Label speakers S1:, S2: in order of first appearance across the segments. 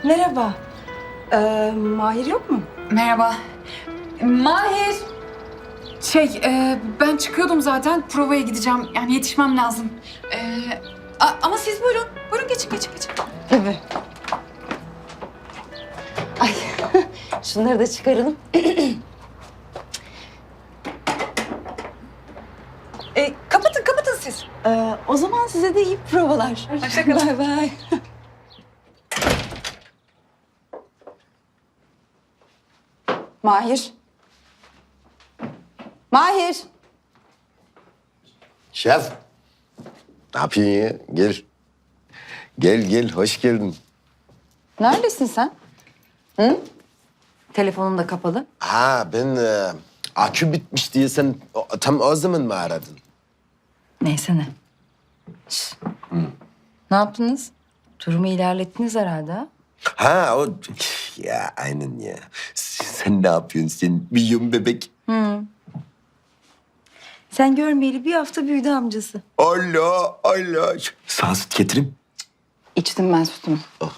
S1: Merhaba. Mahir yok mu?
S2: Merhaba. Mahir. Ben çıkıyordum zaten. Provaya gideceğim. Yani yetişmem lazım. Ama siz buyurun. Buyurun geçin.
S1: Tabii. Ay, şunları da çıkaralım.
S2: Kapatın siz.
S1: O zaman size de iyi provalar.
S2: Hoşça kalın.
S1: Bay bay. Mahir. Mahir.
S3: Şef. Ne yapıyorsun ya? Gel. Gel, hoş geldin.
S1: Neredesin sen? Hı? Telefonun da kapalı.
S3: Ha ben akü bitmiş diye sen tam o zaman mı aradın?
S1: Neyse ne. Şş. Ne yaptınız? Durumu ilerlettiniz herhalde ha?
S3: Ha o ya aynen ya. Sen ne yapıyorsun sen milyon bebek?
S1: Sen görmeyeli bir hafta büyüdü amcası.
S3: Allah. Sana süt getireyim.
S1: İçtim ben sütümü.
S3: Oh.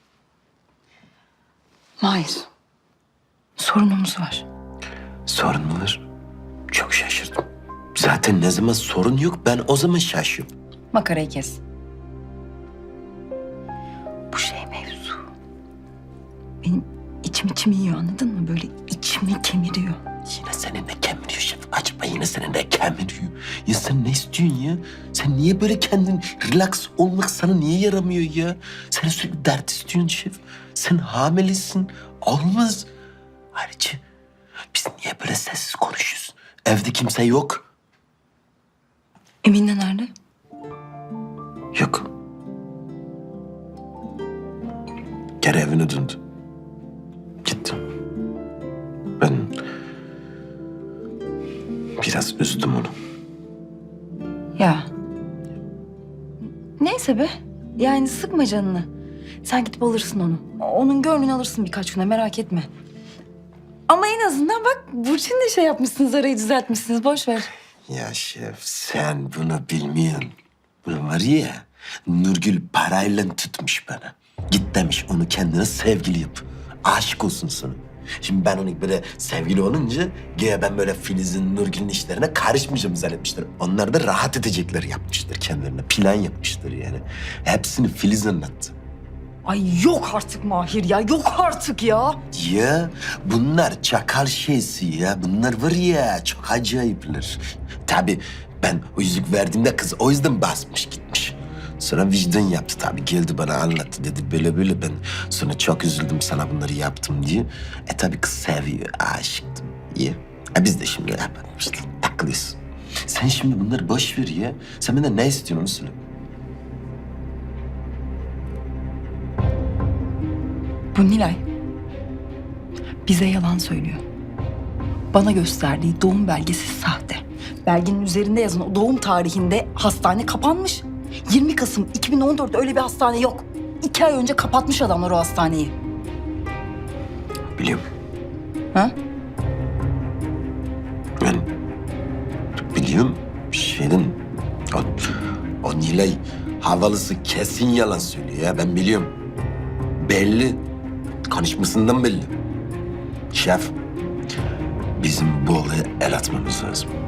S1: Mahir. Sorunumuz var.
S3: Sorun mu var? Çok şaşırdım. Zaten ne zaman sorun yok ben o zaman şaşıyorum.
S1: Makarayı kes. Bu şey mevzu. Benim içim yiyor anladın mı? Böyle içimi kemiriyor.
S3: Yine senin de kemiriyor şef. Acaba yine senin de kemiriyor. Ya sen ne istiyorsun ya? Sen niye böyle kendin relax olmak sana niye yaramıyor ya? Sen sürekli dert istiyorsun şef. Sen hamilesin. Olmaz. Ayrıca biz niye böyle sessiz konuşuyoruz? Evde kimse yok.
S1: Emine nerede?
S3: Yok. Geri evine döndü. Gitti. Ben biraz üzdüm onu.
S1: Ya. Neyse be. Yani sıkma canını. Sen gidip alırsın onu. Onun gönlünü alırsın birkaç güne merak etme. Ama en azından bak Burçin'le şey yapmışsınız, arayı düzeltmişsiniz. Boş ver.
S3: Ya şef sen bunu bilmiyorsun. Bu var ya Nurgül parayla tutmuş bana. Git demiş onu kendine sevgili yap. Aşık olsun sana. Şimdi ben onu böyle sevgili olunca güya ben böyle Filiz'in, Nurgül'ün işlerine karışmayacağım zannetmişler. Onlar da rahat edecekler yapmışlar kendilerine. Plan yapmışlar yani. Hepsini Filiz anlattı.
S1: Ay yok artık Mahir ya, yok artık ya.
S3: Ya bunlar çakal şeysi ya. Bunlar var ya çok acayipler. Tabii ben o yüzük verdiğimde kız o yüzden basmış gitmiş. Sonra vicdan yaptı tabii. Geldi bana anlattı dedi böyle ben sonra çok üzüldüm sana bunları yaptım diye. Tabii kız seviyor, aşıktım. İyi. Biz de şimdi yapalım işte takılıyoruz. Sen şimdi bunları boş ver ya. Sen benden ne istiyorsun onu söyle.
S1: Bu Nilay bize yalan söylüyor. Bana gösterdiği doğum belgesi sahte. Belgenin üzerinde yazan o doğum tarihinde hastane kapanmış. 20 Kasım 2014'te öyle bir hastane yok. 2 ay önce kapatmış adamlar o hastaneyi.
S3: Biliyorum.
S1: Ha?
S3: Ben biliyorum şeyden o Nilay havalısı kesin yalan söylüyor ya ben biliyorum. Belli. Konuşmasından belli. Şef bizim bu olaya el atmamız lazım.